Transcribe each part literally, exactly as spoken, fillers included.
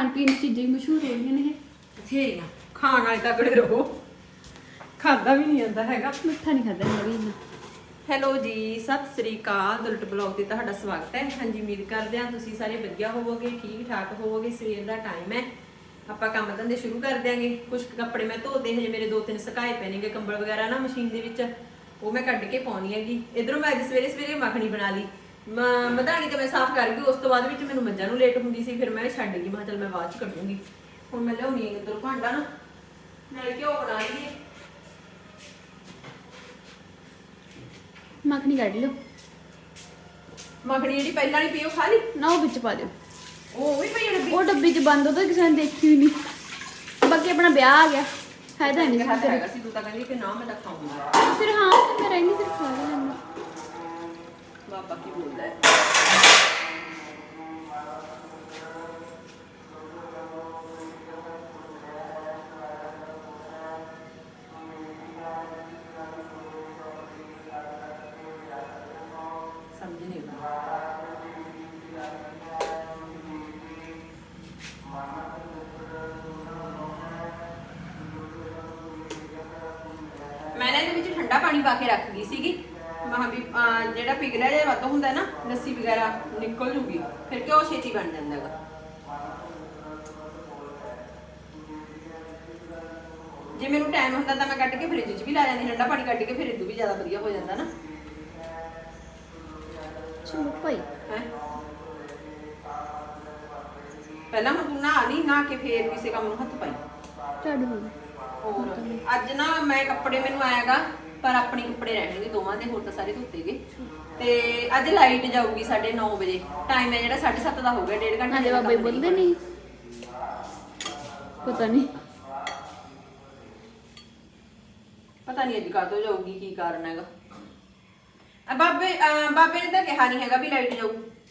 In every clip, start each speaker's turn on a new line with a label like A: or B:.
A: ਖਾਣ ਪੀਣ ਦੀ ਚੀਜ਼ਾਂ ਹੀ ਮਸ਼ਹੂਰ ਹੋ ਰਹੀਆਂ ਨੇ
B: ਬਥੇਰੀਆਂ ਖਾਣ ਵਾਲੇ ਤਗੜੇ ਰਹੋ ਖਾਦਾ ਵੀ ਨਹੀਂ ਜਾਂਦਾ ਹੈਗਾ
A: ਮਿੱਠਾ ਨਹੀਂ ਖਾਦਾ ਮੈਂ ਵੀ ਇੰਨਾ
B: ਹੈਲੋ ਜੀ ਸਤਿ ਸ੍ਰੀ ਅਕਾਲ ਦੁਲਟ ਬਲੌਗ ਤੇ ਤੁਹਾਡਾ ਸਵਾਗਤ ਹੈ। ਹਾਂਜੀ ਉਮੀਦ ਕਰਦੇ ਹਾਂ ਤੁਸੀਂ ਸਾਰੇ ਵਧੀਆ ਹੋਵੋਗੇ ਠੀਕ ਠਾਕ ਹੋਵੋਗੇ। ਸਵੇਰ ਦਾ ਟਾਈਮ ਹੈ ਆਪਾਂ ਕੰਮ ਧੰਦੇ ਸ਼ੁਰੂ ਕਰ ਦਿਆਂਗੇ। ਕੁਝ ਕੱਪੜੇ ਮੈਂ ਧੋਤੇ ਹਜੇ ਮੇਰੇ ਦੋ ਤਿੰਨ ਸੁਕਾਏ ਪਏ ਨੇਗੇ ਕੰਬਲ ਵਗੈਰਾ ਨਾ ਮਸ਼ੀਨ ਦੇ ਵਿੱਚ ਉਹ ਮੈਂ ਕੱਢ ਕੇ ਪਾਉਣੀ ਹੈਗੀ। ਇਧਰੋਂ ਮੈਂ ਅੱਜ ਸਵੇਰੇ ਸਵੇਰੇ ਮੱਖਣੀ ਬਣਾ ਲਈ ਮਧਾਣੀ ਤੇ ਮੈਂ ਸਾਫ਼ ਕਰ ਗਈ। ਉਸ ਤੋਂ ਬਾਅਦ ਵਿੱਚ ਮੈਨੂੰ ਮੱਝਾਂ ਨੂੰ ਲੇਟ ਹੁੰਦੀ ਸੀ ਫਿਰ ਮੈਂ ਛੱਡ ਗਈ। ਮੈਂ ਚਲ ਮੈਂ ਬਾਅਦ ਚ ਕੱਢੂੰਗੀ। ਹੁਣ ਮੈਂ ਲਿਆਉਣੀ ਹੈ ਇੱਧਰ ਭਾਂਡਾ ਨਾ ਨਾਲੇ ਘਿਓ ਬਣਾ ਲਈਏ।
A: ਮੱਖਣੀ ਕੱਢ ਲਿਓ
B: ਮੱਖਣੀ ਜਿਹੜੀ ਪਹਿਲਾਂ ਵਾਲੀ ਪਈ ਉਹ ਖਾ ਲਈ
A: ਨਾ ਉਹ ਵਿੱਚ ਪਾ ਦਿਓ।
B: ਉਹ ਵੀ ਪਈ ਡੱਬੀ
A: ਉਹ ਡੱਬੀ 'ਚ ਬੰਦ ਉਹਦਾ ਕਿਸੇ ਨੇ ਦੇਖੀ ਵੀ ਨਹੀਂ। ਬਾਕੀ ਆਪਣਾ ਵਿਆਹ ਆ ਗਿਆ ਫਾਇਦਾ ਨਹੀਂ
B: ਹੈਗਾ
A: ਕਿਸੇ
B: ਹੈਗਾ ਸੀ ਤੂੰ ਤਾਂ ਕਹਿੰਦੀ ਕਿ ਨਾ ਮੈਂ ਤਾਂ ਖਾਊਂਗਾ।
A: ਫਿਰ ਹਾਂ ਮੈਂ ਰਹਿੰਦੀ ਫਿਰ ਖਾ ਲੈਂਦਾ।
B: ਬਾਬਾ ਕੀ ਬੋਲਦਾ ਹੈ ਸਮਝ ਨਹੀਂ ਆਉਂਦਾ। ਮੈਂ ਨਾ ਇਹਦੇ ਵਿੱਚ ਠੰਡਾ ਪਾਣੀ ਪਾ ਕੇ ਰੱਖ ਗਈ ਸੀਗੀ। ਮਹਾਂ ਵੀ ਅਹ ਜਿਹੜਾ ਪਿਘਲਿਆ ਜਿਹਾ ਵੱਧ ਹੁੰਦਾ ਨਾ ਲੱਸੀ ਵਗੈਰਾ ਨਿਕਲ ਜੂਗੀ ਫਿਰ ਘਿਓ ਛੇਤੀ ਬਣ ਜਾਂਦਾ ਹੈਗਾ। ਜੇ ਮੈਨੂੰ ਟਾਈਮ ਹੁੰਦਾ ਤਾਂ ਮੈਂ ਕੱਢ ਕੇ ਫ੍ਰਿਜ 'ਚ ਵੀ ਲਾ ਜਾਂਦੀ। ਠੰਡਾ ਪਾਣੀ ਕੱਢ ਕੇ ਫਿਰ ਇਦੋਂ ਵੀ ਜ਼ਿਆਦਾ ਵਧੀਆ ਹੋ ਜਾਂਦਾ ਨਾ।
A: ਚਲੋ ਭਾਈ
B: ਹੈ ਪਹਿਲਾਂ ਹੁਣ ਤੂੰ ਨਹਾ ਲਈ ਨਹਾ ਕੇ ਫੇਰ ਕਿਸੇ ਕੰਮ ਨੂੰ ਹੱਥ ਪਾਈ।
A: ਝਾੜੂ ਹੋ ਗਿਆ।
B: ਹੋਰ ਅੱਜ ਨਾ ਮੈਂ ਕੱਪੜੇ ਮੈਨੂੰ ਆਏਗਾ ਪਰ ਆਪਣੇ ਕੱਪੜੇ ਰਹਿਣਗੇ ਦੋਵਾਂ ਦੇ ਹੋਰ ਤਾਂ ਸਾਰੇ ਧੋਤੇ ਗਏ। ਤੇ ਅੱਜ ਲਾਈਟ ਜਾਊਗੀ ਸਾਢੇ ਨੌ ਵਜੇ ਟਾਈਮ ਹੈ ਜਿਹੜਾ ਸਾਢੇ ਸੱਤ ਦਾ ਹੋ ਗਿਆ। ਡੇਢ ਘੰਟੇ
A: ਹਾਂਜੀ ਬਾਬਾ ਬੋਲਦੇ ਨਹੀਂ ਪਤਾ ਨਹੀਂ
B: ਪਤਾ ਨਹੀਂ ਅੱਜ ਕਾਹਤੋਂ ਜਾਊਗੀ ਕੀ ਕਾਰਨ ਹੈਗਾ। ਆ ਬਾਬੇ ਅਹ ਬਾਬੇ ਨੇ ਤਾਂ ਕਿਹਾ ਨਹੀਂ ਹੈਗਾ ਵੀ ਲਾਈਟ ਜਾਊ।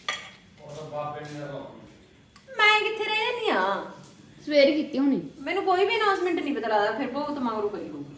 B: ਮੈਂ ਕਿੱਥੇ ਰਹਿ ਜਾਂਦੀ ਆ
A: ਸਵੇਰ ਕੀਤੀ ਹੋਣੀ
B: ਮੈਨੂੰ ਕੋਈ ਵੀ ਅਨਾਉਂਸਮੈਂਟ ਨਹੀਂ ਪਤਾ ਲੱਗਦਾ ਫਿਰ ਬਹੁਤ ਮਗਰੋਂ ਕਰੀ ਹੋਊਗੀ।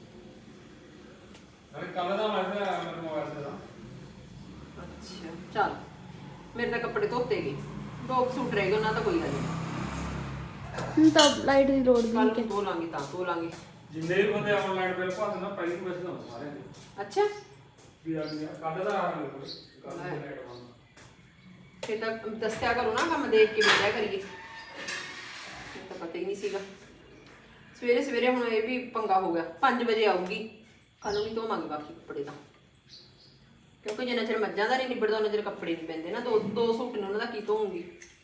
C: ਅਰੇ ਕੱਲ ਦਾ ਮੈਸੇਜ ਆਇਆ ਮੇਰੇ ਮੋਬਾਈਲ ਤੇ ਦਾ।
B: ਅੱਛਾ ਚੱਲ ਮੇਰੇ ਤਾਂ ਕੱਪੜੇ ਧੋਤੇ ਗਏ ਦੋ ਸੂਟ ਰਹਿ ਗਏ ਉਹਨਾਂ ਦਾ ਕੋਈ ਗੱਲ ਨਹੀਂ।
A: ਹੁਣ ਤਾਂ ਲਾਈਟ ਦੀ ਲੋੜ ਵੀ
B: ਕੱਲ
A: ਨਹੀਂ
B: ਨੂੰ ਧੋ ਲਾਂਗੇ ਤਾਂ ਧੋ ਲਾਂਗੇ।
C: ਜਿੰਨੇ ਵੀ ਬੰਦੇ ਆਨਲਾਈਨ ਬਿੱਲ ਭਰਦੇ ਨਾ ਪਹਿਲੀ ਨੂੰ ਪੈਸੇ ਨਾ ਸਾਰਿਆਂ ਦੇ
B: ਅੱਛਾ
C: ਵੀ ਆ ਗਿਆ ਕੱਲ ਦਾ ਆ ਮੇਰੇ ਕੋਲ ਕੱਲ ਦਾ ਲਾਈਟ ਬੰਦ।
B: ਫਿਰ ਤਾਂ ਦੱਸਿਆ ਕਰੋ ਨਾ ਕੰਮ ਦੇਖ ਕੇ ਬੈਠਿਆ ਕਰੀਏ। ਮੈਨੂੰ ਤਾਂ ਪਤਾ ਹੀ ਨਹੀਂ ਸੀਗਾ। ਸਵੇਰੇ ਸਵੇਰੇ ਹੁਣ ਇਹ ਵੀ ਪੰਗਾ ਹੋ ਗਿਆ। ਪੰਜ ਵਜੇ ਆਊਗੀ ਕੱਲ ਨੂੰ ਨਹੀਂ ਧੋਵਾਂਗੇ ਬਾਕੀ ਕੱਪੜੇ ਤਾਂ ਕਿਉਂਕਿ ਜਿੰਨਾ ਚਿਰ ਮੱਝਾਂ ਦਾ ਨਹੀਂ ਨਿਬੜਦਾ ਉਹਨਾਂ ਚਿਰ ਕੱਪੜੇ ਨਹੀਂ ਪੈਂਦੇ ਨਾ। ਦੋ ਦੋ ਸੂਟ ਨੇ ਉਹਨਾਂ ਦਾ ਕੀ ਧੋਉਂਗੀ।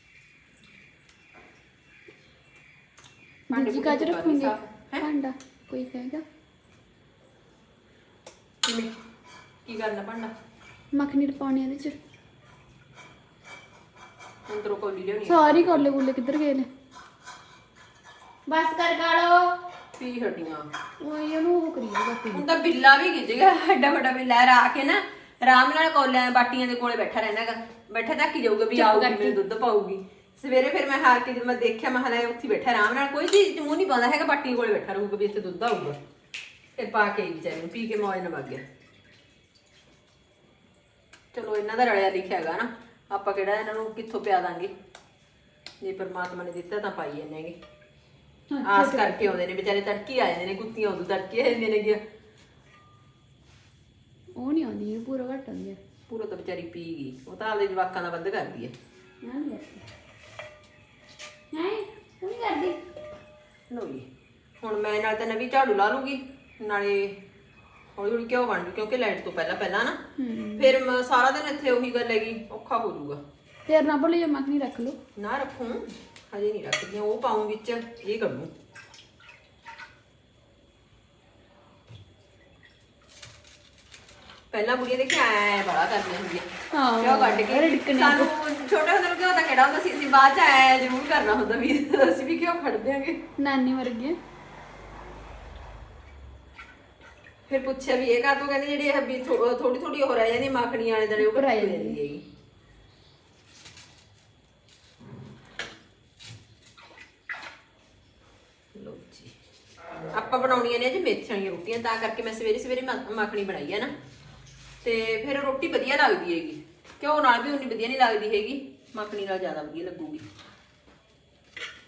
A: ਦੂਜੀ ਕਾਜ ਰੱਖੂਗੇ ਭਾਂਡਾ ਕੋਈ ਕਹੇਗਾ
B: ਕਿਵੇਂ ਕੀ ਕਰਨਾ ਭਾਂਡਾ
A: ਮੱਖਣੀ ਪਾਉਣੀ ਇਹਦੇ 'ਚ
B: ਅੰਦਰੋਂ ਕੋਲੀ ਲਿਆਉਣੀ
A: ਸਾਰੀ ਕੋਲੇ ਗੁੱਲੇ ਕਿੱਧਰ ਗਏ ਨੇ ਬਸ ਕਰ ਗਾਲੋ
B: ਪੀ ਹੱਡੀਆਂ।
A: ਉਹ ਇਹਨੂੰ ਉਹ ਕਰੀ ਜਾਊਗਾ ਪੀ
B: ਹੁਣ ਤਾਂ ਬਿੱਲਾ ਵੀ ਗਿੱਜ ਗਿਆ ਐਡਾ ਵੱਡਾ ਬਿੱਲਾ ਰਾ ਕੇ ਨਾ ਆਰਾਮ ਨਾਲ ਕੋਲਿਆਂ ਬਾਟੀਆਂ ਦੇ ਕੋਲੇ ਬੈਠਾ ਰਹਿਣਾਗਾ। ਬੈਠਾ ਝਾਕੀ ਜਾਊਗਾ ਵੀ ਆਊਗੀ ਮੇਰੇ ਦੁੱਧ ਪਾਊਗੀ। ਸਵੇਰੇ ਫਿਰ ਮੈਂ ਹਾਰ ਕੇ ਜਦੋਂ ਮੈਂ ਦੇਖਿਆ ਮੈਂ ਹਲਾ ਉੱਥੇ ਬੈਠਾ ਆਰਾਮ ਨਾਲ ਕੋਈ ਚੀਜ਼ ਮੂੰਹ ਨਹੀਂ ਪਾਉਂਦਾ ਹੈਗਾ। ਬਾਟੀਆਂ ਕੋਲੇ ਬੈਠਾ ਰਹੂਗਾ ਵੀ ਇੱਥੇ ਦੁੱਧ ਆਊਗਾ। ਫਿਰ ਪਾ ਕੇ ਵਿਚਾਰੇ ਨੂੰ ਪੀ ਕੇ ਮੌਜ ਨਾਲ ਵਗ ਗਿਆ। ਚਲੋ ਇਹਨਾਂ ਦਾ ਰਲਿਆ ਲਿਖਿਆ ਹੈਗਾ ਨਾ ਆਪਾਂ ਕਿਹੜਾ ਇਹਨਾਂ ਨੂੰ ਕਿੱਥੋਂ ਪਿਆ ਦਾਂਗੇ। ਜੇ ਪਰਮਾਤਮਾ ਨੇ ਦਿੱਤਾ ਤਾਂ ਪਾਈ ਜਾਂਦੇ ਹੈਗੇ। ਆਸ ਕਰਕੇ ਆਉਂਦੇ ਨੇ ਵਿਚਾਰੇ ਤੜਕੀ ਆ ਜਾਂਦੇ ਨੇ ਕੁੱਤੀਆਂ ਉਦੋਂ ਤੜਕੇ ਆ ਜਾਂਦੀਆਂ ਨੇ ਗਿਆ।
A: ਉਹ ਨਹੀਂ ਆਉਂਦੀ ਪੂਰਾ ਘੱਟ ਆਉਂਦੀ ਹੈ
B: ਪੂਰਾ ਤਾਂ ਵਿਚਾਰੀ ਪੀ ਗਈ। ਉਹ ਤਾਂ ਆਪਦੇ ਜਵਾਕਾਂ ਦਾ ਵੱਧ ਕਰਦੀ ਹੈ।
A: ਹੈ ਉਹ ਨਹੀਂ ਕਰਦੀ
B: ਲੋਈ ਹੁਣ ਮੈਂ ਨਾਲ ਤਾਂ ਨਵੀਂ ਝਾੜੂ ਲਾ ਲੂਗੀ ਨਾਲੇ ਹੌਲੀ ਹੌਲੀ ਕਿਉਂ ਬਣ ਜੂ ਕਿਉਂਕਿ ਲਾਈਟ ਤੋਂ ਪਹਿਲਾਂ ਪਹਿਲਾਂ ਨਾ ਫਿਰ ਮ- ਸਾਰਾ ਦਿਨ ਇੱਥੇ ਉਹੀ ਗੱਲ ਹੈਗੀ ਔਖਾ ਹੋ ਜਾਊਗਾ।
A: ਫੇਰ ਨਾ ਭੁੱਲ ਜਾ ਮੱਖਣੀ ਰੱਖ ਲਓ
B: ਨਾ ਰੱਖੂ ਹਜੇ ਨਹੀਂ ਰੱਖਦੀ। ਉਹ ਪਾਉਂ ਵਿੱਚ ਇਹ ਕੱਢੂ ਪਹਿਲਾਂ ਬੁੜੀਆਂ ਦੇਖੀ ਆਇਆ ਬੜਾ ਕਰਦੀਆਂ ਹੁੰਦੀਆਂ
A: ਹਾਂ
B: ਕਿਉਂ ਕੱਢ ਕੇ ਸਾਨੂੰ ਛੋਟੇ ਹੁੰਦੇ ਨੂੰ ਕਿਉਂ ਤਾਂ ਕਿਹੜਾ ਹੁੰਦਾ ਸੀ ਅਸੀਂ ਬਾਅਦ ਚ ਆਇਆ ਜ਼ਰੂਰ ਕਰਨਾ ਹੁੰਦਾ ਵੀ ਅਸੀਂ ਵੀ ਕਿਉਂ ਖੜ ਦਿਆਂਗੇ।
A: ਨਾਨੀ ਵਰਗੀ
B: ਫਿਰ ਪੁੱਛਿਆ ਵੀ ਇਹ ਕਾ ਤੂੰ ਕਹਿੰਦੀ ਜਿਹੜੀ ਇਹ ਵੀ ਥੋੜੀ ਥੋੜੀ ਹੋ ਰਹਿ ਜਾਂਦੀ ਮੱਖਣੀ ਵਾਲੇ ਦੜੇ ਉਹ
A: ਉੱਪਰ ਆ
B: ਕੱਢੀ
A: ਜਾਂਦੀ
B: ਜਾਂਦੀ ਹੈਗੀ। ਲੋ ਜੀ ਆਪਾਂ ਬਣਾਉਣੀਆਂ ਨੇ ਅੱਜ ਮੇਥੀਆਂ ਵਾਲੀਆਂ ਰੋਟੀਆਂ ਤਾਂ ਕਰਕੇ ਮੈਂ ਸਵੇਰੇ ਸਵੇਰੇ ਮੱਖਣੀ ਬਣਾਈ ਹੈ ਨਾ ਤੇ ਫਿਰ ਰੋਟੀ ਵਧੀਆ ਲੱਗਦੀ ਹੈਗੀ। ਘਿਓ ਨਾਲ ਵੀ ਉਨੀ ਵਧੀਆ ਨਹੀਂ ਲੱਗਦੀ ਹੈਗੀ ਮੱਖਣੀ ਨਾਲ ਜ਼ਿਆਦਾ ਵਧੀਆ ਲੱਗੂਗੀ।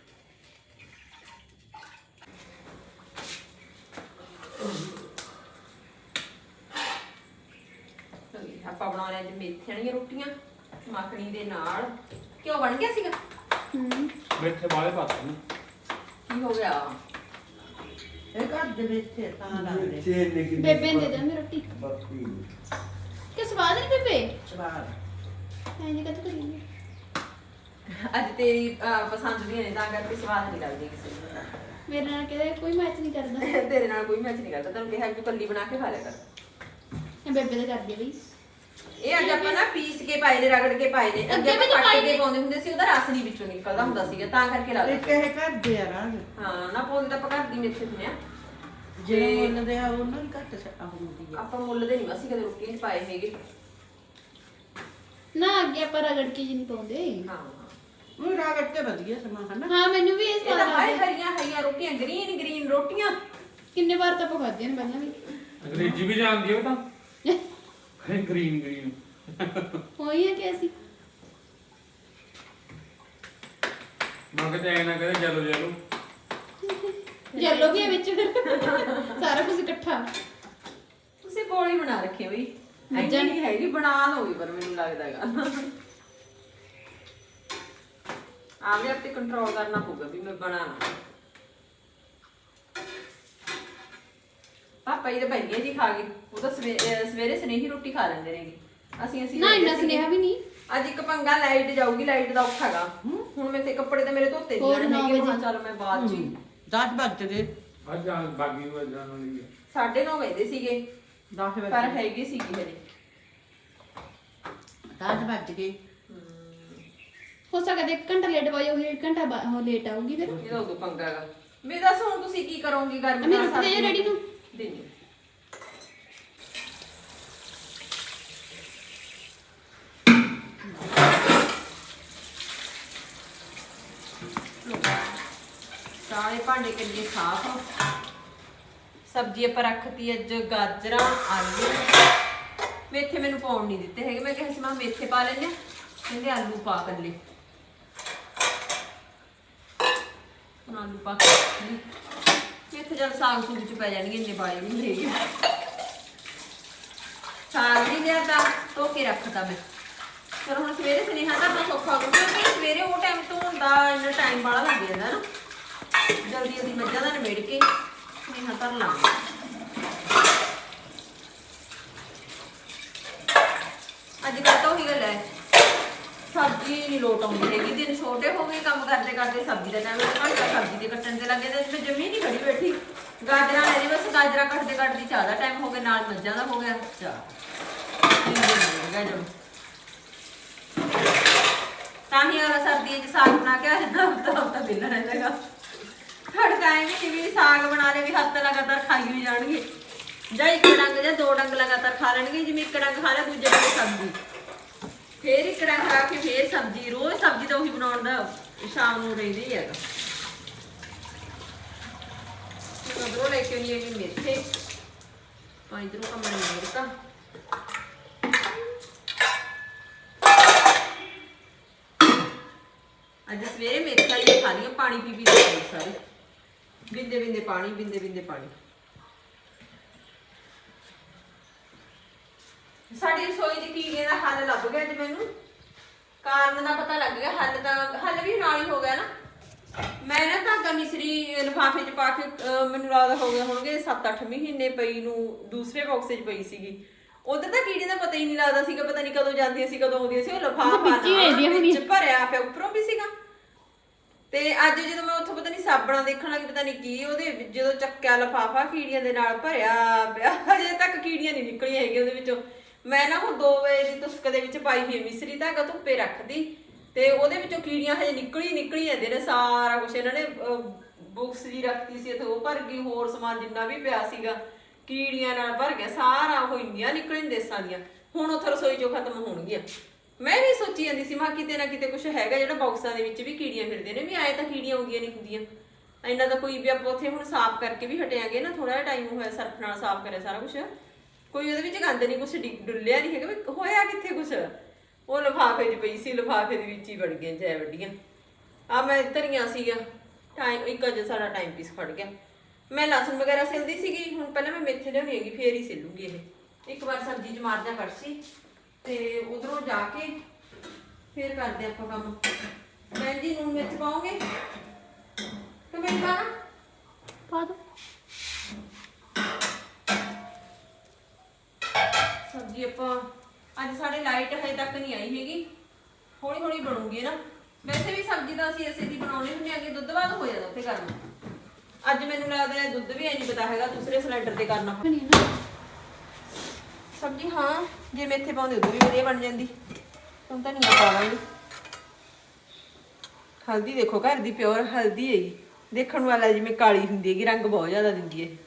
B: ਆਪਾਂ ਬਣਾਉਣੇ ਅੱਜ ਮੇਥੀਆਂ ਦੀਆਂ ਰੋਟੀਆਂ ਮੱਖਣੀ ਦੇ ਨਾਲ। ਕਿਉਂ ਬਣ ਗਿਆ ਸੀਗਾ?
A: ਹੂੰ
C: ਮਿੱਠੇ ਵਾਲੇ ਪਾਤੇ ਨੇ
B: ਕੀ ਹੋ ਗਿਆ?
D: ਇਹ ਘਰ ਦੇ ਵਿੱਚ ਤਾਂ ਲੱਗਦੇ
A: ਬੇਬੇ ਨੇ ਦੇ ਦੇ ਮੇਰੀ ਰੋਟੀ ਕਿ ਸਵਾਦ ਨਹੀਂ ਬੇਬੇ
D: ਸਵਾਦ
A: ਐਂ ਕਦ ਕਰੀ
B: ਅੱਜ ਤੇਰੀ ਅਹ, ਪਸੰਦ ਦੀਆਂ ਨੇ ਤਾਂ ਕਰਕੇ ਸਵਾਦ ਨਹੀਂ ਲੱਗਦੀ ਕਿਸੇ ਨੂੰ।
A: ਮੇਰੇ ਨਾਲ ਕਿਹਦੇ ਕੋਈ ਮੈਚ ਨਹੀਂ ਕਰਦਾ
B: ਤੇਰੇ ਨਾਲ ਕੋਈ ਮੈਚ ਨਹੀਂ ਕਰਦਾ। ਤੈਨੂੰ ਕਿਹਾ ਕਿ ਕੱਲੀ ਬਣਾ ਕੇ ਖਾ ਲਿਆ ਕਰ।
A: ਇਹ ਬੇਬੇ ਦਾ ਕਰਦੀ ਆ ਬਈ
B: ਇਹ ਅੱਜ ਆਪਾਂ ਨਾ ਪੀਸ ਕੇ ਪਾਏ ਨੇ, ਰਗੜ ਕੇ ਪਾਏ ਨੇ। ਅੱਗੇ
A: ਅੱਗੇ ਵੀ
B: ਆਪਾਂ
A: ਤਾਂ
B: ਕੱਟ
A: ਪਾਏ
B: ਕੇ ਪਾਉਂਦੇ ਹੁੰਦੇ ਸੀ, ਉਹਦਾ ਰਸ ਨਹੀਂ ਵਿੱਚੋਂ ਨਿਕਲਦਾ ਹੁੰਦਾ ਸੀਗਾ ਤਾਂ ਕਰਕੇ
D: ਇਹ
B: ਲੱਗਦਾ।
D: ਕਹੇ ਘਰ ਦੇ ਆ ਰਾਜ
B: ਹਾਂ ਨਾ ਪਾਉਂਦੇ ਤਾਂ ਆਪਾਂ ਘਰ ਦੀ ਮੇਥੇ ਹੁੰਦੇ ਆ।
D: ਜਿਹੜੇ ਮੁੱਲ ਦੇ ਆ ਉਹਨਾਂ ਨੂੰ ਘੱਟ ਸ- ਆਹ ਹੁੰਦੀ ਆ।
B: ਆਪਾਂ ਮੁੱਲ ਦੇ ਨਹੀਂ ਅਸੀਂ ਕਦੇ ਰੋਟੀ ਨਹੀਂ ਪਾਏ ਹੈਗੇ।
A: ਨਾ ਅੱਗੇ ਆਪਾਂ ਰਗੜ ਕੇ ਜੀ ਨਹੀਂ ਪਾਉਂਦੇ
B: ਹਾਂ
D: ਉਹ ਰਾਗੜ ਤੇ ਵਧੀਆ ਸਮਾਂ ਹਨਾ।
A: ਹਾਂ ਮੈਨੂੰ ਵੀ ਇਹ
B: ਇਹ
A: ਸਵਾਦ
B: ਤਾਂ ਹਾਏ
A: ਲੱਗਦਾ
B: ਹਰੀਆਂ ਹਰੀਆਂ ਰੋਟੀਆਂ, ਗ੍ਰੀਨ ਗ੍ਰੀਨ ਰੋਟੀਆਂ।
A: ਕਿੰਨੇ ਵਾਰ ਤਾਂ ਆਪਾਂ ਖਾਧੀਆਂ ਨੇ ਪਹਿਲਾਂ ਵੀ
C: ਅੰਗਰੇਜ਼ੀ ਵੀ ਜਾਣਦੀ ਹੋ ਤਾਂ ਗ੍ਰੀਨ ਗ੍ਰੀਨ
A: ਹੋਈ ਹੈ ਕਿ ਅਸੀਂ
C: ਮੈਂ ਕਿਤੇ ਐ ਨਾ ਕਹਦੇ ਚਲੋ ਚਲੋ
A: ਜੈਲੋ ਵੀ ਹੈ ਵਿੱਚ ਫਿਰ ਸਾਰਾ ਕੁਝ ਇਕੱਠਾ
B: ਤੁਸੀਂ ਬੋਲੀ ਬਣਾ ਰੱਖੀ ਹੋਈ
A: ਮੱਝਾਂ
B: ਨਹੀਂ ਹੈਗੀ, ਬਣਾ ਲਓਗੇ ਪਰ ਮੈਨੂੰ ਲੱਗਦਾ ਹੈਗਾ ਆਵੇ ਆਪੇ ਕੰਟਰੋਲ ਕਰਨਾ ਪਊਗਾ ਵੀ ਮੈਂ ਬਣਾਣਾ। ਪਾਪਾ ਜੀ ਤਾਂ ਭਈਏ ਜੀ ਖਾ ਗਏ, ਉਹ ਤਾਂ ਸਵੇ- ਅਹ ਸਵੇਰੇ ਸਨੇਹੀ ਰੋਟੀ ਖਾ ਲੈਂਦੇ ਨੇਗੇ। ਅਸੀਂ ਅਸੀਂ
A: ਨਾ
B: ਲੈਂਦੇ
A: ਇੰਨਾ
B: ਸੀਗੇ।
A: ਸੁਨੇਹਾ ਵੀ ਨਹੀਂ
B: ਅੱਜ ਇੱਕ ਪੰਗਾ ਲਾਈਟ ਜਾਊਗੀ, ਲਾਈਟ ਦਾ ਔਖਾ ਹੈਗਾ। ਹੁਣ ਮੈਂ ਤੇ ਕੱਪੜੇ ਤਾਂ ਮੇਰੇ ਧੋਤੇ
A: ਹੋਰ
B: ਨਹੀਂ
A: ਨੌ
B: ਹੈਗੇ।
A: ਵਜੇ।
B: ਹਾਂ ਚੱਲ ਮੈਂ ਬਾਅਦ ਚ ਹੀ
D: ਦਸ ਵੱਜ ਗਏ
C: ਅੱਜ ਆ ਬਾਗੀ ਹੋ ਜਾਣ ਵਾਲੀ ਹੈ।
B: ਸਾਢੇ ਨੌ ਵਜੇ ਸੀਗੇ
D: ਦਸ ਵੱਜ
B: ਪਰ
D: ਗਏ
B: ਹੈਗੀ ਸੀਗੀ ਹਜੇ।
D: ਦਸ ਵੱਜ ਗਏ
A: ਹੋ ਸਕਦਾ ਇੱਕ ਘੰਟਾ ਲੇਟ ਪਾਈ ਹੋਈ ਇੱਕ ਘੰਟਾ ਬਾ- ਉਹ ਲੇਟ ਆਊਗੀ ਫਿਰ
B: ਇਹਦਾ ਉਦੋਂ ਪੰਗਾ ਹੈਗਾ। ਮੈਂ ਦੱਸ ਹੁਣ ਤੁਸੀਂ ਕੀ ਕਰੋਗੇ ਗਰਮੀ
A: ਮੈਂ ਰੋਟੀ ਦੇ ਰੈਡੀ ਨੂੰ
B: ਦੇਣੀ। ਸਾਰੇ ਭਾਂਡੇ ਕਿੰਨੇ ਸਾਫ਼। ਸਬਜ਼ੀ ਆਪਾਂ ਰੱਖਤੀ ਅੱਜ ਗਾਜਰਾਂ ਆਲੂ। ਮੇਥੇ ਮੈਨੂੰ ਪਾਉਣ ਨਹੀਂ ਦਿੱਤੇ ਹੈਗੇ। ਮੈਂ ਕਿਹਾ ਸੀ ਮੈਂ ਮੇਥੇ ਪਾ ਲੈਣੇ, ਕਹਿੰਦੇ ਆਲੂ ਪਾ ਕੱਲੇ। ਹੁਣ ਆਲੂ ਪਾ ਕੇ ਮੇਥੇ ਜਦ ਸਾਗ ਸੂਗ ਚ ਪੈ ਜਾਣਗੇ, ਇੰਨੇ ਬਾਏ ਵੀ ਨਹੀਂ ਹੈਗੇ। ਸਾਗ ਨਹੀਂ ਲਿਆ ਤਾਂ ਧੋ ਕੇ ਰੱਖਤਾ ਮੈਂ। ਪਰ ਹੁਣ ਸਵੇਰੇ ਸੁਨੇਹਾ ਤਾਂ ਆਪਣਾ ਸੌਖਾ ਹੋ ਗਿਆ ਕਿਉਂਕਿ ਸਵੇਰੇ ਉਹ ਟਾਈਮ ਤੋਂ ਹੁੰਦਾ ਇੰਨਾ ਟਾਈਮ ਬਾਹਲਾ ਲੱਗ ਜਾਂਦਾ ਨਾ। ਜਲਦੀ ਜਲਦੀ ਮੱਝਾਂ ਦਾ ਨਿਬੇੜ ਕੇ ਸੁਨੇਹਾ ਧਰ ਲਾਂਗੇ। ਅੱਜ ਕੱਲ੍ਹ ਤਾਂ ਉਹੀ ਗੱਲ ਹੈ, ਸਬਜ਼ੀ ਨਹੀਂ ਲੋਟ ਆਉਂਦੀ ਹੈਗੀ। ਦਿਨ ਛੋਟੇ ਹੋ ਗਏ, ਕੰਮ ਕਰਦੇ ਕਰਦੇ ਸਬਜ਼ੀ ਦਾ ਟਾਈਮ ਘੰਟਾ ਸਬਜ਼ੀ ਦੇ ਕੱਟਣ ਤੇ ਲੱਗੇ ਤੇ ਜਮੀ ਨਹੀਂ ਖੜੀ ਬੈਠੀ। ਗਾਜਰਾਂ ਲੈ ਜੀ ਬਸ, ਗਾਜਰਾਂ ਕੱਟਦੇ ਕੱਟਦੇ ਚਾਹ ਦਾ ਟਾਈਮ ਹੋ ਗਿਆ, ਨਾਲ ਮੱਝਾਂ ਦਾ ਹੋ ਗਿਆ ਚਾਹ। ਤਾਂ ਹੀ ਅਗਲਾ ਸਰਦੀਆਂ 'ਚ ਸਾਗ ਬਣਾ ਕੇ ਹਫਤਾ ਹਫਤਾ ਵਿਹਲਾ ਰਹਿੰਦਾ। ਖੜਕਾਏਂਗੇ ਵੀ ਸਾਗ ਬਣਾ ਲੈ ਵੀ ਹੱਥ ਲਗਾਤਾਰ ਖਾਈ ਹੋਈ ਜਾਣਗੇ, ਜਾਂ ਇੱਕ ਡੰਗ ਜਾਂ ਦੋ ਡੰਗ ਲਗਾਤਾਰ ਖਾ ਲੈਣਗੇ। ਜਿਵੇਂ ਇੱਕ ਡੰਗ ਖਾ ਲਿਆ ਦੂਜੇ ਡੰਗ ਸਬਜ਼ੀ, ਫੇਰ ਇੱਕ ਡੰਗ ਖਾ ਕੇ ਫੇਰ ਸਬਜ਼ੀ। ਰੋਜ਼ ਸਬਜ਼ੀ ਤਾਂ ਉਹੀ ਬਣਾਉਣ ਦਾ ਸ਼ਾਮ ਨੂੰ ਰਹਿੰਦਾ ਹੀ ਹੈਗਾ। ਉਧਰੋਂ ਲੈ ਕੇ ਆਉਣੀ ਹੈਗੀ ਮੇਥੇ, ਤਾਂ ਇਧਰੋਂ ਕੰਮ ਨਹੀਂ ਮਿਲਦਾ। ਅੱਜ ਸਵੇਰੇ ਮੇਥਾ ਹੀ ਖਾ ਲਈਆਂ, ਪਾਣੀ ਪੀ ਪੀ ਕੇ ਸਾਰੇ ਬਿੰਦੇ ਬਿੰਦੇ ਪਾਣੀ, ਬਿੰਦੇ ਬਿੰਦੇ ਪਾਣੀ। ਸਾਡੀ ਰਸੋਈ 'ਚ ਕੀੜੇ ਦਾ ਹੱਲ ਲੱਭ ਗਿਆ ਅੱਜ ਮੈਨੂੰ। ਕਾਰਨ ਦਾ ਪਤਾ ਲੱਗ ਗਿਆ, ਹੱਲ ਤਾਂ ਹੱਲ ਵੀ ਨਾਲ ਹੀ ਹੋ ਗਿਆ ਨਾ। ਮੈਂ ਨਾ ਧਾਗਾ ਮਿਸਰੀ ਲਿਫਾਫੇ 'ਚ ਪਾ ਕੇ ਅਹ ਮੈਨੂੰ ਲੱਗਦਾ ਹੋ ਗਏ ਹੋਣਗੇ ਸੱਤ ਅੱਠ ਮਹੀਨੇ ਪਈ ਨੂੰ, ਦੂਸਰੇ ਬਾਕਸ 'ਚ ਪਈ ਸੀਗੀ। ਉਧਰ ਤਾਂ ਕੀੜੇ ਦਾ ਪਤਾ ਹੀ ਨਹੀਂ ਲੱਗਦਾ ਸੀਗਾ, ਪਤਾ ਨਹੀਂ ਕਦੋਂ ਜਾਂਦੀਆਂ ਸੀ ਕਦੋਂ ਆਉਂਦੀਆਂ ਸੀ। ਉਹ ਲਿਫਾਫਾ ਵਿੱਚ ਭਰਿਆ ਪਿਆ, ਉੱਪਰੋਂ ਵੀ ਸੀਗਾ। ਤੇ ਅੱਜ ਜਦੋਂ ਮੈਂ ਉੱਥੋਂ ਪਤਾ ਨਹੀਂ ਸਾਬਣਾ ਦੇਖਣ ਲੱਗੀ, ਪਤਾ ਨਹੀਂ ਕੀ ਉਹਦੇ ਜਦੋਂ ਚੱਕਿਆ ਲਿਫਾਫਾ ਕੀੜੀਆਂ ਦੇ ਨਾਲ ਭਰਿਆ ਪਿਆ। ਹਜੇ ਤੱਕ ਕੀੜੀਆਂ ਨਹੀਂ ਨਿਕਲੀਆਂ ਹੈਗੀਆਂ ਉਹਦੇ ਵਿੱਚੋਂ। ਮੈਂ ਨਾ ਹੁਣ ਦੋ ਵਜੇ ਦੀ ਤੁਸਕ ਦੇ ਵਿੱਚ ਪਾਈ ਹੋਈ ਮਿਸਰੀ ਧਾਗਾ ਧੁੱਪੇ ਰੱਖਦੀ, ਤੇ ਉਹਦੇ ਵਿੱਚੋਂ ਕੀੜੀਆਂ ਹਜੇ ਨਿਕਲੀ ਨਿਕਲੀ ਜਾਂਦੇ ਨੇ। ਸਾਰਾ ਕੁਛ ਇਹਨਾਂ ਨੇ ਬੁੱਕਸ ਜੀ ਰੱਖਤੀ ਸੀ ਇੱਥੇ, ਉਹ ਭਰ ਗਈ। ਹੋਰ ਸਮਾਨ ਜਿੰਨਾ ਵੀ ਪਿਆ ਸੀਗਾ ਕੀੜੀਆਂ ਨਾਲ ਭਰ ਗਿਆ ਸਾਰਾ। ਉਹ ਇੰਨੀਆਂ ਨਿਕਲਣ ਦੇਸਾਂ ਦੀਆਂ ਹੁਣ ਉੱਥੇ ਰਸੋਈ ਚੋਂ ਖਤਮ ਹੋਣਗੀਆਂ। ਮੈਂ ਵੀ ਸੋਚੀ ਜਾਂਦੀ ਸੀ ਮੈਂ ਕਿਤੇ ਨਾ ਕਿਤੇ ਕੁਝ ਹੈਗਾ ਜਿਹੜਾ ਬਾਕਸਾਂ ਦੇ ਵਿੱਚ ਵੀ ਕੀੜੀਆਂ ਫਿਰਦੇ ਨੇ, ਵੀ ਆਏ ਤਾਂ ਕੀੜੀਆਂ ਆਉਂਦੀਆਂ ਨਹੀਂ ਹੁੰਦੀਆਂ। ਇੰਨਾ ਤਾਂ ਕੋਈ ਵੀ ਆਪਾਂ ਉੱਥੇ ਹੁਣ ਸਾਫ਼ ਕਰਕੇ ਵੀ ਹਟਿਆਂਗੇ ਨਾ, ਥੋੜਾ ਜਿਹਾ ਟਾਈਮ ਹੋਇਆ ਸਰਫ ਨਾਲ ਸਾਫ਼ ਕਰਿਆ ਸਾਰਾ ਕੁਝ, ਕੋਈ ਉਹਦੇ ਵਿੱਚ ਗੰਦ ਨਹੀਂ, ਕੁਛ ਡੁੱਲਿਆ ਨਹੀਂ ਹੈਗਾ। ਵੀ ਹੋਇਆ ਕਿੱਥੇ ਕੁਛ, ਉਹ ਲਿਫਾਫੇ 'ਚ ਪਈ ਸੀ, ਲਿਫਾਫੇ ਦੇ ਵਿੱਚ ਹੀ ਵੜ ਗਈਆਂ ਜੈ ਵੱਡੀਆਂ। ਆ ਮੈਂ ਧਰੀਆਂ ਸੀਗਾ ਟਾਈਮ, ਇੱਕ ਅਜੇ ਸਾਡਾ ਟਾਈਮ ਪੀਸ ਫੜ ਗਿਆ। ਮੈਂ ਲਸਣ ਵਗੈਰਾ ਸਿਲਦੀ ਸੀਗੀ, ਹੁਣ ਪਹਿਲਾਂ ਮੈਂ ਮੇਥੇ ਲਿਆਉਣੀ ਹੈਗੀ ਫੇਰ ਹੀ ਸਿਲੂਗੀ ਇਹ। ਇੱਕ ਵਾਰ ਸਬਜ਼ੀ ਚ ਮਾਰ ਜਾ ਕੜਛੀ ਤੇ ਉਧਰੋਂ ਜਾ ਕੇ ਫਿਰ ਕਰਦੇ ਆਪਾਂ ਕੰਮ। ਭੈਣ ਜੀ ਨੂਨ ਮਿਰਚ ਪਾਓਗੇ ਕਿ ਮੈਂ ਪਾਣਾ?
A: ਪਾ ਦੋ।
B: ਸਬਜ਼ੀ ਆਪਾਂ ਅੱਜ ਸਾਡੇ ਲਾਈਟ ਹਜੇ ਤੱਕ ਨਹੀਂ ਆਈ ਹੈਗੀ, ਹੌਲੀ ਹੌਲੀ ਬਣੂਗੀ ਨਾ। ਵੈਸੇ ਵੀ ਸਬਜ਼ੀ ਤਾਂ ਅਸੀਂ ਅਸੀਂ ਦੀ ਬਣਾਉਣੀ ਹੁੰਦੀ ਆ ਕਿ ਦੁੱਧ ਬਾਅਦ ਹੋ ਜਾਂਦਾ ਉੱਥੇ ਕਰਨਾ। ਅੱਜ ਮੈਨੂੰ ਲੱਗਦਾ ਹੈ ਦੁੱਧ ਵੀ ਐ ਨਹੀਂ ਪਤਾ ਹੈਗਾ ਦੂਸਰੇ ਸਿਲੰਡਰ ਤੇ ਕਰਨਾ
A: ਬਣੀ ਨਾ
B: ਸਬਜ਼ੀ। ਹਾਂ ਜੇ ਮੇਥੇ ਪਾਉਂਦੇ ਉਦੋਂ ਵੀ ਵਧੀਆ ਬਣ ਜਾਂਦੀ। ਹੁਣ ਤਾਂ ਨਹੀਂ ਪਾ ਲਾਂਗੇ। ਹਲਦੀ ਦੇਖੋ ਘਰ ਦੀ ਪਿਓਰ ਹਲਦੀ ਹੈਗੀ, ਦੇਖਣ ਵਾਲਾ ਜਿਵੇਂ ਕਾਲੀ ਹੁੰਦੀ ਹੈਗੀ, ਰੰਗ ਬਹੁਤ ਜ਼ਿਆਦਾ ਦਿੰਦੀ ਹੈ।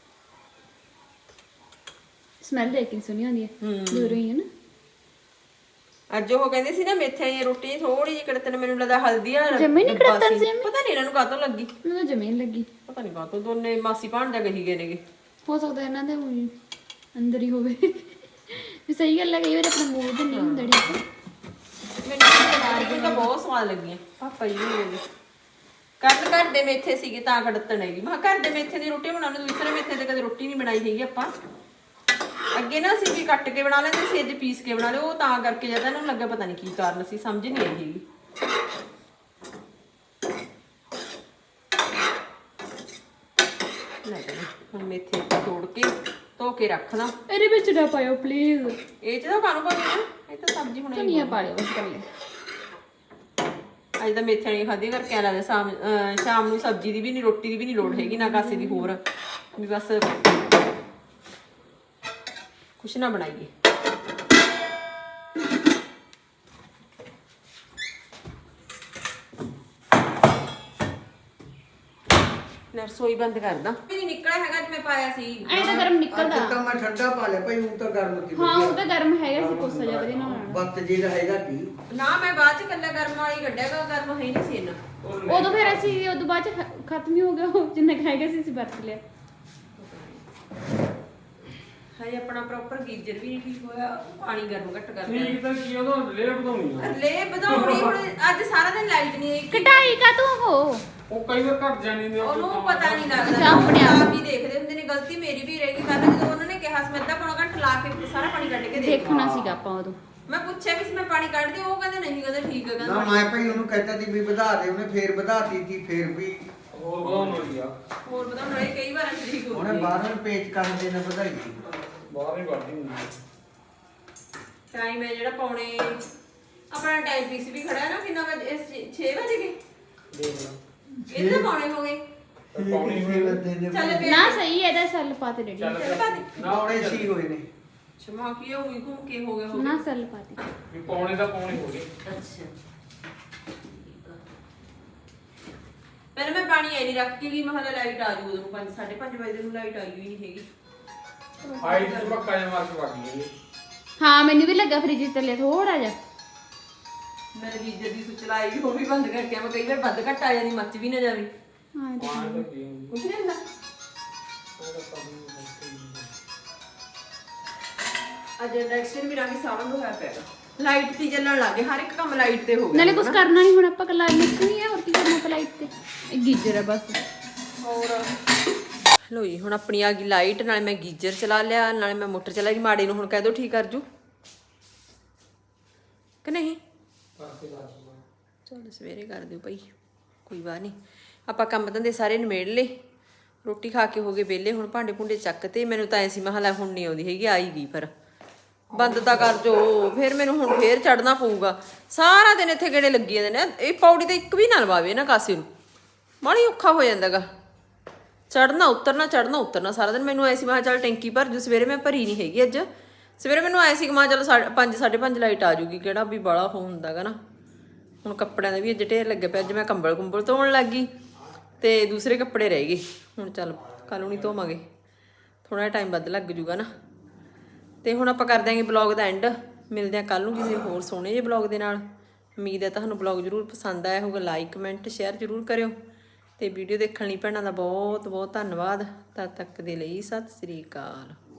A: ਸਮੈਲ ਦੇਖ ਕੇ ਸੁਣੀ ਹੁੰਦੀ ਹੈ ਦੂਰੋਂ ਹੀ ਹੈ ਨਾ।
B: ਅੱਜ ਉਹ ਕਹਿੰਦੇ ਸੀ ਨਾ ਮੇਥੇ ਵਾਲੀ ਰੋਟੀ ਥੋੜੀ ਜਿਹੀ ਕੜਤਨ, ਮੈਨੂੰ ਲੱਗਦਾ ਹਲਦੀ ਵਾਲਾ
A: ਜਮੇ ਨੀ
B: ਡੱਬਾ
A: ਕੜਤਣ
B: ਸੀ।
A: ਸੀ।
B: ਪਤਾ ਨਹੀਂ ਇਹਨਾਂ ਨੂੰ ਕਾਹਤੋਂ ਲੱਗੀ,
A: ਮੈਨੂੰ ਤਾਂ ਜਮੇ ਨੀ ਲੱਗੀ।
B: ਪਤਾ ਨਹੀਂ ਕਾਹਤੋਂ ਦੋਨੇ ਮਾਸੀ ਭਾਣਜਾ ਕਹੀ ਗਏ ਨੇਗੇ।
A: ਹੋ ਸਕਦਾ ਇਹਨਾਂ ਦੇ ਊਂ ਅੰਦਰ ਹੀ ਹੋਵੇ। ਵੀ ਸਹੀ ਗੱਲ ਹੈ, ਕਈ ਵਾਰ ਆਪਣਾ ਮੂਡ ਨਹੀਂ ਹੁੰਦਾ ਠੀਕ।
B: ਮੈਨੂੰ ਤਾਂ ਬਹੁਤ ਸਵਾਦ ਲੱਗੀਆਂ ਪਾਪਾ ਜੀ ਨੂੰ। ਕੱਲ ਘਰ ਦੇ ਮੇਥੇ ਸੀਗੇ ਤਾਂ ਕੜਤਣ ਹੈਗੀ। ਮੈਂ ਕਿਹਾ ਘਰ ਦੇ ਮੇਥੇ ਦੀ ਰੋਟੀ ਬਣਾਉਣ ਨੂੰ, ਦੂਸਰੇ ਮੇਥੇ ਤੇ ਕਦੇ ਰੋਟੀ ਨਹੀਂ ਬਣਾਈ ਹੈਗੀ ਆਪਾਂ। ਅੱਗੇ ਨਾ ਅਸੀਂ ਵੀ ਕੱਟ ਕੇ ਬਣਾ ਲੈਂਦੇ ਸੀ, ਅੱਜ ਪੀਸ ਕੇ ਬਣਾ ਲਿਓ। ਉਹ ਤਾਂ ਕਰਕੇ ਜਿਆਦਾ ਇਹਨੂੰ ਲੱਗਾ ਪਤਾ ਨਹੀਂ ਕੀ ਕਾਰਨ ਸੀ, ਸਮਝ ਨਹੀਂ ਆਈ ਹੈਗੀ। ਲੈ ਹੁਣ ਮੇਥੇ ਤੋੜ ਕੇ ਧੋ ਕੇ ਰੱਖ ਲਾਂ।
A: ਇਹਦੇ ਵਿੱਚ ਨਾ ਪਾਇਓ ਪਲੀਜ਼।
B: ਇਹ ਚ ਤਾਂ ਕਾਹਨੂੰ ਪਾਉਂਦੇ ਨਾ, ਇਹ ਤਾਂ ਸਬਜ਼ੀ ਬਣਾਈ।
A: ਧਨੀਆ ਪਾ ਲਿਓ ਬਸ ਕੱਲੇ।
B: ਅੱਜ ਤਾਂ ਮੇਥਿਆਂ ਨਹੀਂ ਖਾਧੀ ਕਰਕੇ ਲੱਗਦਾ ਸ਼ਾਮ ਅਹ ਸ਼ਾਮ ਨੂੰ ਸਬਜ਼ੀ ਦੀ ਵੀ ਨਹੀਂ, ਰੋਟੀ ਦੀ ਵੀ ਨਹੀਂ ਲੋੜ ਹੈਗੀ, ਨਾ ਕਾਸੇ ਦੀ ਹੋਰ ਵੀ ਬਸ ਕੁਛ ਨਾ ਬਣਾਈਏ। ਲੈ ਰਸੋਈ ਬੰਦ ਕਰਦਾ। ਵੀ ਨਹੀਂ ਨਿਕਲਿਆ ਹੈਗਾ ਜਿਵੇਂ ਪਾਇਆ ਸੀ।
A: ਐ ਤਾਂ ਗਰਮ ਨਿਕਲਦਾ।
E: ਅੱਜ ਤਾਂ ਮੈਂ ਠੰਡਾ ਪਾ ਲਿਆ ਭਾਈ, ਹੁਣ ਤਾਂ ਗਰਮ ਸੀ।
A: ਹਾਂ ਉਹ ਤਾਂ ਗਰਮ ਹੈਗਾ ਸੀ, ਕੋਸਾ ਜਿਹਾ ਵਧੀਆ ਨਾਲ।
E: ਬੱਤ ਜੀ ਦਾ ਹੈਗਾ ਕੀ
B: ਨਾ ਮੈਂ ਬਾਅਦ ਚ ਕੱਲਾ ਗਰਮ ਵਾਲੀ ਕੱਢਿਆਗਾ, ਗਰਮ ਹੈ ਨਹੀਂ ਸੀ ਇੰਨਾ।
A: ਉਦੋਂ ਫਿਰ ਅਸੀਂ ਉਦੋਂ ਬਾਅਦ ਚ ਖ- ਖਤਮ ਹੀ ਹੋ ਗਿਆ ਉਹ ਜਿੰਨਾ ਖਾਏਗਾ ਸੀ ਅਸੀਂ ਵਰਤ ਲਿਆ।
B: ਹਜੇ ਆਪਣਾ ਪ੍ਰੋਪਰ ਗੀਜ਼ਰ ਵੀ ਨਹੀਂ ਠੀਕ ਹੋਇਆ, ਪਾਣੀ ਗਰਮ ਘੱਟ ਕਰ
C: ਠੀਕ ਤਾਂ ਕੀ ਉਹਦਾ ਲੈ ਵਧਾਉਣੀ ਆ।
B: ਲੈ ਵਧਾਉਣੀ ਹੁਣ। ਅੱਜ ਸਾਰਾ ਦਿਨ ਲਾਈਟ ਨਹੀਂ ਆਈ।
A: ਕਟਾਈ ਕਾ ਤੂੰ ਹੋ
C: ਉਹ ਕਈ ਵਾਰ ਘਟ ਜਾਂਦੀ ਨੇ।
B: ਉਹਨੂੰ ਪਤਾ ਨਹੀਂ ਲੱਗਦਾ,
A: ਅੱਛਾ, ਆਪਣੇ ਆਪ।
B: ਆਪ ਹੀ ਦੇਖਦੇ ਹੁੰਦੇ ਨੇ। ਗਲਤੀ ਮੇਰੀ ਵੀ ਰਹੇਗੀ। ਕੱਲ ਜਦੋਂ ਉਹਨਾਂ ਨੇ ਕਿਹਾ ਸਮੇਂ ਅੱਧਾ ਪੌਣਾ ਘੰਟਾ ਲਾ ਕੇ ਸਾਰਾ ਪਾਣੀ ਕੱਢ ਕੇ ਦੇ।
A: ਦੇਖਣਾ ਸੀਗਾ ਆਪਾਂ ਉਦੋਂ।
B: ਮੈਂ ਪੁੱਛਿਆ ਵੀ ਸੀ ਮੈਂ ਪਾਣੀ ਕੱਢ ਦਿਓ, ਉਹ ਕਹਿੰਦੇ ਨਹੀਂ, ਕਹਿੰਦੇ ਠੀਕ ਹੈ।
E: ਨਾ
B: ਕਹਿੰਦਾ
E: ਮੈਂ ਭਾਈ ਉਹਨੂੰ ਕਹਿੰਦਾ ਸੀ ਵੀ ਵਧਾ ਦੇ, ਉਹਨੇ ਫੇਰ ਵਧਾਤੀ ਸੀ, ਫੇਰ ਵੀ
C: ਹੋਰ ਵਧਾਉਣੀ ਆ।
B: ਹੋਰ ਪਤਾ ਹੁਣ ਕਈ ਵਾਰ ਠੀਕ ਹੋ
E: ਉਹਨੇ
B: ਗਈ।
E: ਬਾਹਰੋਂ ਪੇਚ ਕਰਦੇ ਨੇ ਵਧਾਈ ਸੀ।
C: ਬਾਹਰ ਹੀ ਵੱਢਦੀ ਹੁੰਦੀ।
B: ਟਾਈਮ ਹੈ ਜਿਹੜਾ ਪੌਣੇ ਆਪਣਾ ਟਾਈਮ ਪੀਸ ਵੀ ਖੜਾ ਹੈ ਨਾ, ਕਿੰਨਾ ਵਜੇ ਛੇ ਵਜੇ ਗਏ
C: ਦੇਖ ਲਾ
B: ਇਹ ਤਾਂ ਪੌਣੇ ਹੋ ਗਏ।
C: ਪੌਣੀ ਹੋਈ
B: ਚੱਲ ਪਿਆ
A: ਨਾ ਸਹੀ ਹੈ ਇਹਦਾ ਸੈੱਲ ਪਾਤੇ ਰੈਡੀ।
C: ਚੱਲ
B: ਚੱਲ ਪਾ ਦੇ।
C: ਨਾ
E: ਪੌਣੇ ਛੇ ਹੋਏ ਨੇ।
B: ਛਮਾ ਕੀ ਹੋਈ ਘੁੰਮ ਕੇ ਹੋ ਗਿਆ ਹੋ
A: ਨਾ
B: ਗਿਆ।
A: ਸੈੱਲ ਪਾਤੇ।
C: ਵੀ ਪੌਣੇ ਦਾ ਪੌਣੇ ਹੋ ਗਏ।
B: ਅੱਛਾ ਪਹਿਲਾਂ ਮੈਂ ਪਾਣੀ ਐ ਨਹੀਂ ਰੱਖ ਕੇ ਗਈ, ਮੈਂ ਹਲਾ ਲਾਈਟ ਆ ਜੂ ਉਦੋਂ ਪੰਜ ਸਾਢੇ ਪੰਜ ਵਜੇ ਨੂੰ ਲਾਈਟ ਆਈ ਹੋਈ ਨਹੀਂ ਹੈਗੀ।
C: ਆਈ ਤੇ ਪੱਕਾ ਜਿਹਾ ਮਾਰ ਕੇ ਵੱਢ ਗਈ।
A: ਹਾਂ ਮੈਨੂੰ ਵੀ ਲੱਗਾ ਫ੍ਰਿਜ ਤੇ ਲਿਆ ਥੋੜਾ ਜਿਹਾ।
B: ਮੈਂ ਗੀਜ਼ਰ ਦੀ ਸੁੱਚ ਲਾਈ ਵੀ, ਉਹ ਵੀ ਬੰਦ ਕਰਕੇ ਮੈਂ ਕਈ ਵਾਰ ਵੱਧ ਘੱਟ ਆ ਜਾਂਦੀ, ਮੱਚ ਵੀ ਨਾ ਜਾਵੇ।
A: ਹਾਂ ਇਹ ਤਾਂ
C: ਪਾਣੀ ਤਾਂ ਕੀ ਹੁੰਦੀ।
B: ਕੁਛ ਨਹੀਂ ਹੁੰਦਾ। ਅੱਜ ਇੰਡਕਸ਼ਨ ਵੀ ਰਾਂਗੀ ਸਾਵਣ ਨੂੰ ਹੋਇਆ ਪਿਆ। ਲਾਈਟ ਤੇ ਚੱਲਣ ਲੱਗੇ, ਹਰ ਇੱਕ ਕੰਮ ਲਾਈਟ ਤੇ ਹੋ ਗਿਆ।
A: ਨਾਲੇ ਕੁਝ ਕਰਨਾ ਨਹੀਂ ਹੁਣ ਆਪਾਂ ਕੱਲਾ ਮਿਕਸ ਨਹੀਂ ਹੈ, ਹੋਰ ਕੀ ਕਰਨਾ ਆਪਾਂ ਲਾਈਟ ਤੇ। ਇਹ ਗੀਜ਼ਰ ਹੈ ਬਸ।
B: ਹੋਰ ਲੋ ਜੀ ਹੁਣ ਆਪਣੀ ਆ ਗਈ ਲਾਈਟ, ਨਾਲੇ ਮੈਂ ਗੀਜ਼ਰ ਚਲਾ ਲਿਆ, ਨਾਲੇ ਮੈਂ ਮੋਟਰ ਚਲਾ ਲਈ। ਮਾੜੇ ਨੂੰ ਹੁਣ ਕਹਿ ਦੋ ਠੀਕ ਕਰ ਜੂ ਕਿ ਨਹੀਂ। ਚਲੋ ਸਵੇਰੇ ਕਰ ਦਿਓ ਭਾਈ, ਕੋਈ ਬਾਤ ਨਹੀਂ। ਆਪਾਂ ਕੰਮ ਧੰਦੇ ਸਾਰੇ ਨਿਬੇੜ ਲਏ, ਰੋਟੀ ਖਾ ਕੇ ਹੋ ਗਏ ਵਿਹਲੇ। ਹੁਣ ਭਾਂਡੇ ਭੁੰਡੇ ਚੱਕ ਤੇ ਮੈਨੂੰ ਤਾਂ ਐ ਸੀ ਮਹਲਾ ਹੁਣ ਨਹੀਂ ਆਉਂਦੀ ਹੈਗੀ, ਆਈ ਗਈ ਪਰ ਬੰਦ ਤਾਂ ਕਰ ਜੋ। ਫਿਰ ਮੈਨੂੰ ਹੁਣ ਫੇਰ ਚੜਨਾ ਪਊਗਾ। ਸਾਰਾ ਦਿਨ ਇੱਥੇ ਗੇੜੇ ਲੱਗੀ ਜਾਂਦੇ ਨੇ। ਇਹ ਪੌੜੀ ਤੇ ਇੱਕ ਵੀ ਨਾ ਲਵਾਵੇ ਨਾ ਕਾਸੇ ਨੂੰ, ਮਾੜੀ ਔਖਾ ਹੋ ਜਾਂਦਾਗਾ ਚੜਨਾ ਉਤਰਨਾ ਚੜਨਾ ਉਤਰਨਾ ਸਾਰਾ ਦਿਨ। ਮੈਨੂੰ ਐ ਸੀ ਮੈਂ ਚੱਲ ਟੈਂਕੀ ਭਰ ਜੂ। ਸਵੇਰੇ ਮੈਂ ਭਰੀ ਨਹੀਂ ਹੈਗੀ ਅੱਜ। ਸਵੇਰੇ ਮੈਨੂੰ ਐ ਸੀ ਕਿ ਮੈਂ ਚੱਲ ਪੰਜ ਸਾਢੇ ਪੰਜ ਲਾਈਟ ਆ ਜੂਗੀ, ਕਿਹੜਾ ਵੀ ਬਾਲਾ ਹੋ ਹੁੰਦਾਗਾ ਨਾ। ਹੁਣ ਕੱਪੜਿਆਂ ਦਾ ਵੀ ਅੱਜ ਢੇਰ ਲੱਗਿਆ ਪਿਆ। ਅੱਜ ਮੈਂ ਕੰਬਲ ਕੁੰਬਲ ਧੋਣ ਲੱਗ ਗਈ ਤੇ ਦੂਸਰੇ ਕੱਪੜੇ ਰਹਿ ਗਏ। ਹੁਣ ਚੱਲ ਕੱਲ ਨੂੰ ਨਹੀਂ ਧੋਵਾਂਗੇ, ਥੋੜਾ ਜਿਹਾ ਟਾਈਮ ਵੱਧ ਲੱਗ ਜੂਗਾ ਨਾ। ਤੇ ਹੁਣ ਆਪਾਂ ਕਰ ਦਿਆਂਗੇ ਬਲੌਗ ਦਾ ਐਂਡ। ਮਿਲਦੇ ਹਾਂ ਕੱਲ ਨੂੰ ਕਿਸੇ ਹੋਰ ਸੋਹਣੇ ਜਿਹੇ ਬਲੌਗ ਦੇ ਨਾਲ। ਉਮੀਦ ਹੈ ਤੁਹਾਨੂੰ ਬਲੌਗ ਜ਼ਰੂਰ ਪਸੰਦ ਆਇਆ ਹੋਊਗਾ। ਲਾਈਕ ਕਮੈਂਟ ਸ਼ੇਅਰ ਜ਼ਰੂਰ ਕਰਿਓ ਤੇ ਵੀਡੀਓ ਦੇਖਣ ਲਈ ਭੈਣਾਂ ਦਾ ਬਹੁਤ ਬਹੁਤ ਧੰਨਵਾਦ। ਤਦ ਤੱਕ ਦੇ ਲਈ ਸਤਿ ਸ੍ਰੀ ਅਕਾਲ।